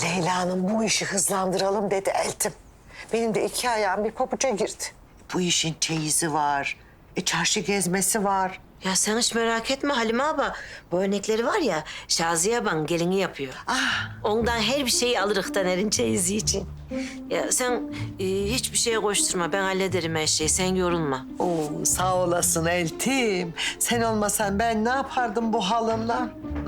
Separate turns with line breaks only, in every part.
Leyla'nın bu işi hızlandıralım dedi Eltim. Benim de 2 ayağım bir pabuca girdi. Bu işin çeyizi var. Çarşı gezmesi var.
Ya sen hiç merak etme Halime abla. Bu örnekleri var ya Şaziye ban gelini yapıyor. Ondan her bir şeyi alırız Taner'in çeyizi için. Ya sen hiçbir şeye koşturma. Ben hallederim her şeyi. Sen yorulma.
Oo, sağ olasın Eltim. Sen olmasan ben ne yapardım bu halımla?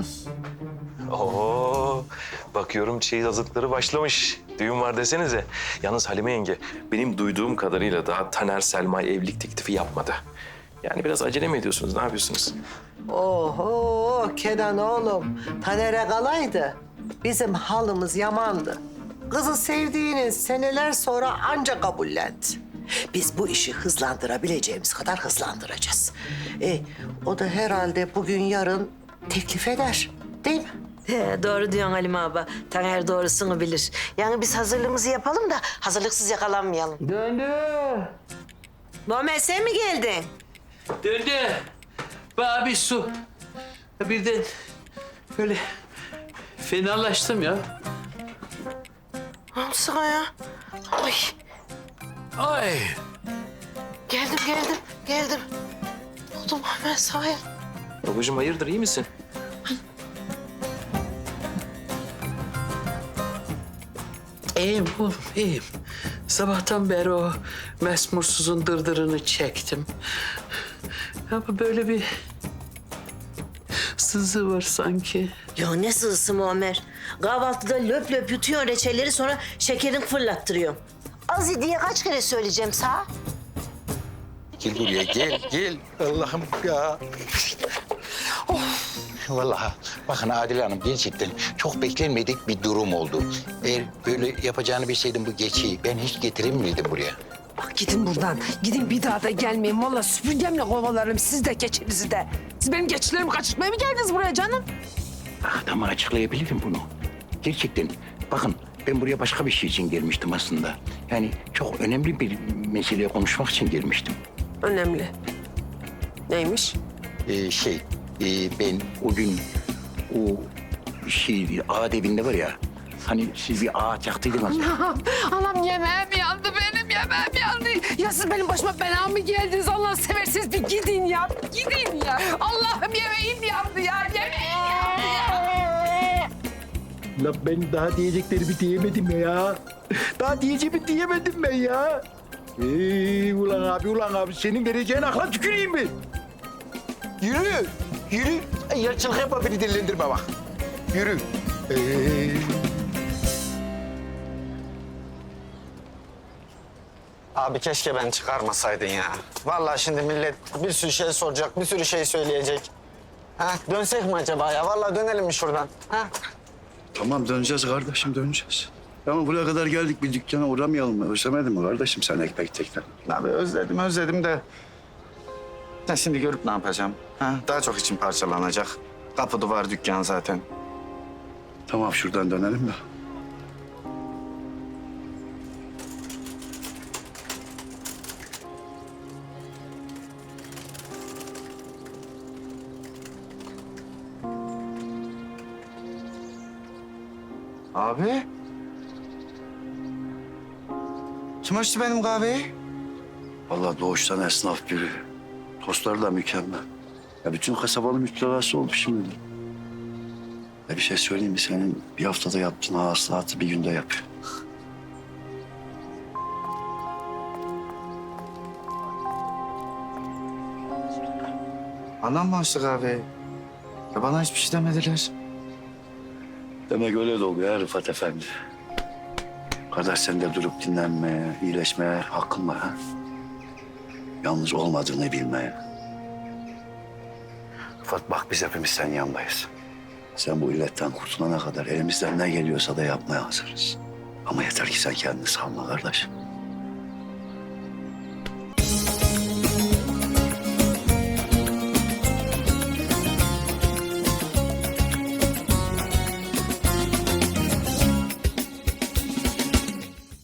Oo, bakıyorum çeyiz hazırlıkları başlamış. Düğün var desenize. Yalnız Halime yenge, benim duyduğum kadarıyla daha Taner Selma'ya evlilik teklifi yapmadı. Yani biraz acele mi ediyorsunuz, ne yapıyorsunuz?
Oho Kenan oğlum. Taner'e kalaydı. Bizim halımız yamandı. Kızı sevdiğini seneler sonra anca kabullendi. Biz bu işi hızlandırabileceğimiz kadar hızlandıracağız. O da herhalde bugün yarın teklif eder. Değil mi?
He, doğru diyorsun Halime abla. Taner doğrusunu bilir. Yani biz hazırlığımızı yapalım da hazırlıksız yakalanmayalım.
Döndü.
Muhammed sen mi geldin?
Döndü. Bana bir su. Birden böyle fenalaştım ya.
Ne oldu sana ya? Ay,
Ay.
geldim. Ne oldu Muhammed sana ya?
Babacığım hayırdır, iyi misin?
İyiyim oğlum, iyiyim. Sabahtan beri o mesmursuzun dırdırını çektim. Ama böyle bir sızı var sanki.
Ya ne sızısı Muammer? Kahvaltıda löp löp yutuyor reçelleri sonra şekerini fırlattırıyor. Az diye kaç kere söyleyeceğim sana?
Gel buraya gel. Allah'ım ya. Vallahi bakın Adile Hanım gerçekten çok beklenmedik bir durum oldu. Eğer böyle yapacağını bilseydim bu geçiyi ben hiç getirir miydim buraya?
Bak gidin buradan. Gidin bir daha da gelmeyin. Vallahi süpürgemle kovalarım siz de keçinizi de. Siz benim keçilerimi kaçırtmaya mı geldiniz buraya canım?
Adama açıklayabilirim bunu. Gerçekten bakın ben buraya başka bir şey için gelmiştim aslında. Yani çok önemli bir meseleyi konuşmak için gelmiştim.
Önemli. Neymiş?
Ben o gün o ağaç evinde var ya... Hani siz bir ağaç yaktıydınız.
Anam yemeğim yandı benim yemeğim yandı. Ya siz benim başıma bela mı geldiniz? Allah'ını seversiniz bir gidin ya. Gidin ya. Allah'ım yemeğim yandı ya. Yemeğim yandı ya.
Lan ben daha diyeceklerimi diyemedim ya. Daha diyeceğimi diyemedim ben ya. Ulan abi senin vereceğin akla tüküreyim mi? Yürü. Yarçılık yapma beni delilendirme bak. Yürü.
Abi keşke ben çıkarmasaydın ya. Vallahi şimdi millet bir sürü şey soracak, bir sürü şey söyleyecek. Ha, dönsek mi acaba ya? Vallahi dönelim mi şuradan? Ha?
Tamam döneceğiz kardeşim döneceğiz. Ama buraya kadar geldik bir dükkana uğramayalım mı? Özlemedin mi kardeşim sen ekmek tekrar?
Abi özledim de. Ben şimdi görüp ne yapacağım? Ha? Daha çok içim parçalanacak. Kapı duvar dükkan zaten.
Tamam şuradan dönelim mi?
Abi. Kim açtı benim kahveyi?
Vallahi doğuştan esnaf biri. Tostları da mükemmel. Ya bütün kasabanın müptelası oldu şimdi. Ya bir şey söyleyeyim mi? Senin bir haftada yaptığın hasılatı bir günde yapıyor.
Anam mı açtı kahveyi? Ya bana hiçbir şey demediler.
Demek öyle de oluyor ya Rıfat Efendi. Kardeş sen de durup dinlenmeye, iyileşmeye hakkın var ha. Yalnız olmadığını bilmeye. Rıfat bak biz hepimiz senin yanındayız. Sen bu illetten kurtulana kadar elimizden ne geliyorsa da yapmaya hazırız. Ama yeter ki sen kendini salma kardeş.